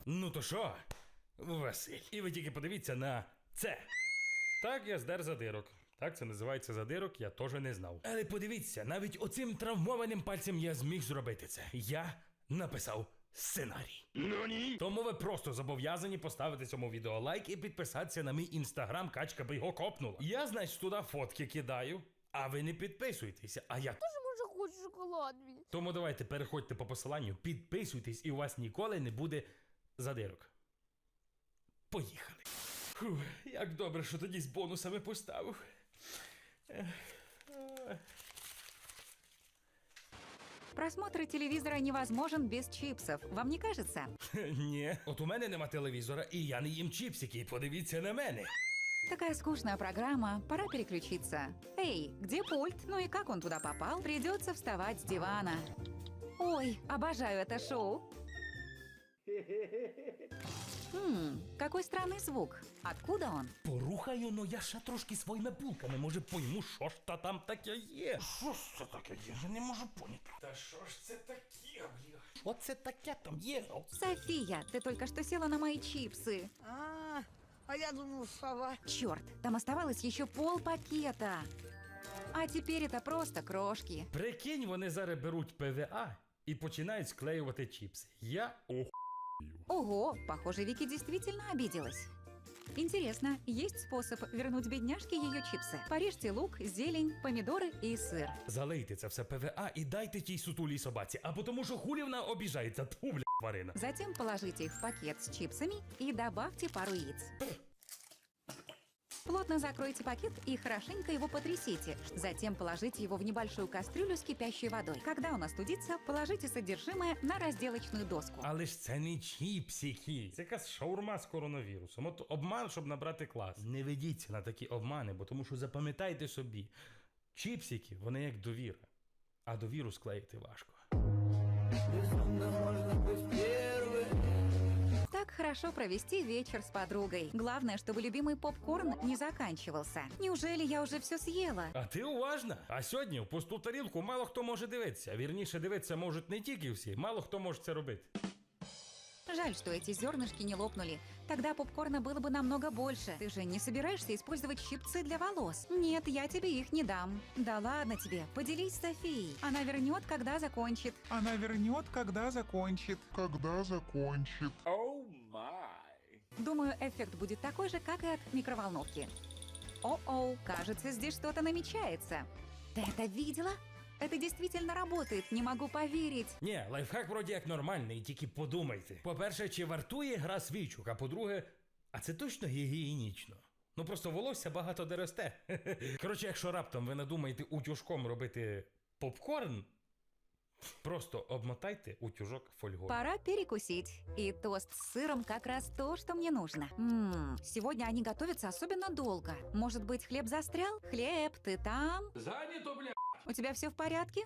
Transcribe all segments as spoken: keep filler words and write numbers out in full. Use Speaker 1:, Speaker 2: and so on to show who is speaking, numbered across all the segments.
Speaker 1: Ну то що, Василь? І ви тільки подивіться на це. Так, я здер задирок. Так, це називається задирок, я теж не знав. Але подивіться, навіть оцим травмованим пальцем я зміг зробити це. Я написав сценарій. Ну ні. Тому ви просто зобов'язані поставити цьому відео лайк і підписатися на мій інстаграм, качка би його копнула. Я, значить, туди фотки кидаю, а ви не підписуєтеся, а я...
Speaker 2: Тоже може хочу шоколад мій.
Speaker 1: Тому давайте переходьте по посиланню, підписуйтесь і у вас ніколи не буде задирок. Поїхали. Фух, як добре, що тоді з бонусами поставив.
Speaker 3: Просмотр телевизора невозможен без чипсов, вам не кажется?
Speaker 1: Ні, от у мене нема телевізора, і я не їм чіпсики, подивіться на мене.
Speaker 3: Такая скучная программа, пора переключиться. Эй, где пульт? Ну и как он туда попал? Придется вставать с дивана. Ой, обожаю это шоу. Хм, какой странный звук. Откуда он?
Speaker 1: Порухаю, но я ще трошки своїми булками, може пойму, що ж та там таке є. Що ж це таке є? Я не можу поняти. Та що ж це таке, бля? Що це таке там є?
Speaker 3: София, ты только что села на мои чипсы.
Speaker 4: А, а я думал, сова.
Speaker 3: Черт, там оставалось еще пол пакета. А теперь это просто крошки.
Speaker 1: Прикинь, вони зараз беруть ПВА і починають склеювати чіпси. Я ох...
Speaker 3: Ого, похоже, Вики действительно обиделась. Интересно, есть способ вернуть бедняжке ее чипсы? Порежьте лук, зелень, помидоры и сыр.
Speaker 1: Залийте це все ПВА і дайте тій сутулій собаці, а потому що хулі вона обіжається, тьфу, бля, тварина.
Speaker 3: Затем положите их в пакет с чипсами и добавьте пару яиц. Плотно закройте пакет и хорошенько его потрясите. Затем положите его в небольшую кастрюлю с кипящей водой. Когда он остудится, положите содержимое на разделочную доску.
Speaker 1: Але ж це не чіпсики. Це якась шаурма з коронавірусом. От обман, щоб набрати клас. Не ведіться на такі обмани, бо тому що запам'ятайте собі. Чіпсики, вони як довіра. А довіру склеїти важко.
Speaker 3: Так хорошо провести вечер с подругой. Главное, чтобы любимый попкорн не заканчивался. Неужели я уже все съела?
Speaker 1: А ти уважна? А сьогодні в пусту тарілку мало хто може дивитися. Вірніше, дивитися можуть не тільки всі, мало хто може це робити.
Speaker 3: Жаль, что эти зернышки не лопнули. Тогда попкорна было бы намного больше. Ты же не собираешься использовать щипцы для волос? Нет, я тебе их не дам. Да ладно тебе, поделись с Софией. Она вернет, когда закончит.
Speaker 5: Она вернет, когда закончит.
Speaker 6: Когда закончит.
Speaker 3: Думаю, эффект будет такой же, как и от микроволновки. О-оу, кажется, здесь что-то намечается. Ты это видела? Это действительно работает, не могу поверить.
Speaker 1: Ні, лайфхак вроді як нормальний, тільки подумайте. По-перше, чи вартує гра свічок, а по-друге, а це точно гігієнічно? Ну просто волосся багато де росте. Коротше, якщо раптом ви надумаєте утюжком робити попкорн, просто обмотайте утюжок фольгою.
Speaker 3: Пора перекусить. И тост с сыром как раз то, что мне нужно. Ммм, сегодня они готовятся особенно долго. Может быть, хлеб застрял? Хлеб, ты там?
Speaker 1: Занято, бля!
Speaker 3: У тебя все в порядке?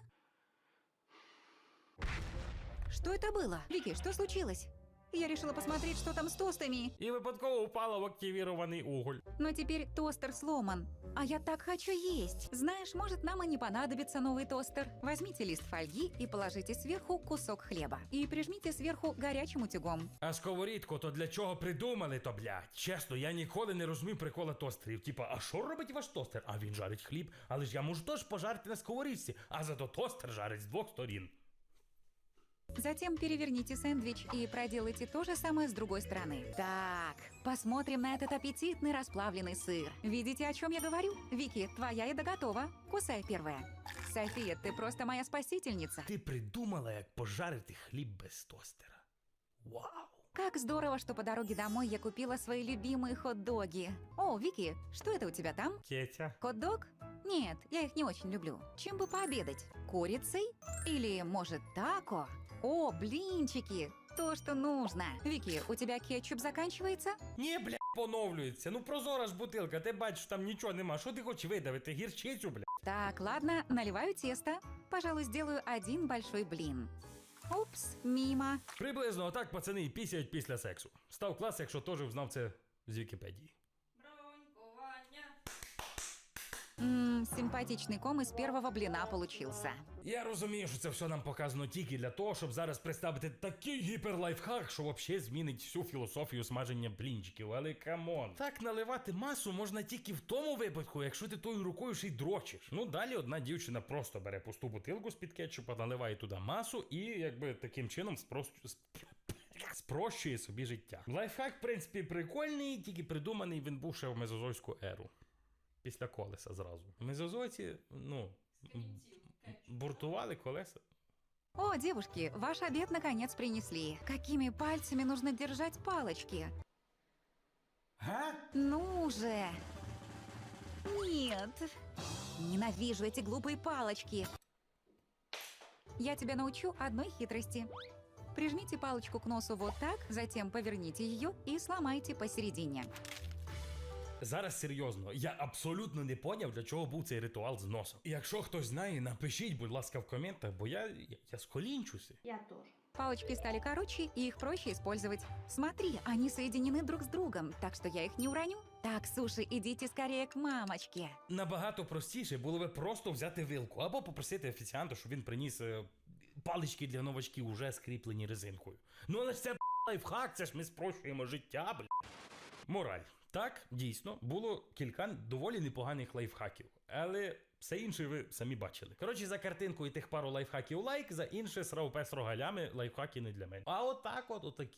Speaker 3: Что это было? Вики, что случилось? Я решила посмотреть, что там с тостами.
Speaker 1: І випадково упала в активірований уголь.
Speaker 3: Но теперь тостер сломан. А я так хочу есть. Знаешь, может, нам и не понадобится новый тостер. Возьмите лист фольги и положите сверху кусок хлеба. И прижмите сверху горячим утюгом.
Speaker 1: А сковорідку то для чого придумали то, блядь? Чесно, я ніколи не розумів прикола тостерів. Типа, а що робить ваш тостер? А він жарить хліб. Але ж я можу теж пожарити на сковорідці, а зато тостер жарить з двох сторін.
Speaker 3: Затем переверните сэндвич и проделайте то же самое с другой стороны. Так, посмотрим на этот аппетитный расплавленный сыр. Видите, о чем я говорю? Вики, твоя еда готова. Кусай первая. София, ты просто моя спасительница.
Speaker 1: Ти придумала, як пожарити хліб без тостера. Вау!
Speaker 3: Как здорово, что по дороге домой я купила свои любимые хот-доги. О, Вики, что это у тебя там?
Speaker 1: Кетя.
Speaker 3: Хот-дог? Нет, я их не очень люблю. Чем бы пообедать? Курицей? Или, может, тако? О, блинчики! То, что нужно. Вики, у тебя кетчуп заканчивается?
Speaker 1: Ні, бля, поновлюється. Ну прозора ж бутилка, ти бачиш, там нічого нема. Що ти хочеш видавити? Гірчицю, бля?
Speaker 3: Так, ладно, наливаю тесто. Пожалуй, сделаю один большой блин. Упс, мимо.
Speaker 1: Приблизно отак пацани і пісяють після сексу. Став клас, якщо теж взнав це з Вікіпедії.
Speaker 2: Бронькування.
Speaker 3: Ммм, симпатичный ком из первого блина получился.
Speaker 1: Я розумію, що це все нам показано тільки для того, щоб зараз представити такий гіперлайфхак, що взагалі змінить всю філософію смаження блінчиків. Але камон. Так наливати масу можна тільки в тому випадку, якщо ти тою рукою ще й дрочиш. Ну далі одна дівчина просто бере пусту бутилку з-під кетчупа, наливає туди масу і якби таким чином спрощує, спрощує собі життя. Лайфхак, в принципі, прикольний, тільки придуманий він був ще в мезозойську еру. Після колеса зразу. Мезозойці, ну, буртували колеса.
Speaker 3: О, девушки, ваш обед наконец принесли. Какими пальцами нужно держать палочки?
Speaker 1: Га?
Speaker 3: Ну же! Нет! Ненавижу эти глупые палочки. Я тебя научу одной хитрости. Прижмите палочку к носу вот так, затем поверните ее и сломайте посередине.
Speaker 1: Зараз серйозно, я абсолютно не поняв, для чого був цей ритуал з носом. І якщо хтось знає, напишіть, будь ласка, в коментах, бо я, я, я сколінчуся.
Speaker 3: Палочки стали короче, и их проще использовать. Смотри, они соединены друг с другом, так что я их не уроню. Так, суши, идите скорее к мамочке.
Speaker 1: Набагато простіше було би просто взяти вилку або попросити офіціанта, щоб він приніс е, палички для новачків, уже скріплені резинкою. Ну але ж це б**, лайфхак, це ж ми спрощуємо життя, бля. Мораль. Так, дійсно, було кілька доволі непоганих лайфхаків, але все інше ви самі бачили. Коротше, за картинкою тих пару лайфхаків лайк, за інше срав пес рогалями, лайфхаки не для мене. А отак от, отакі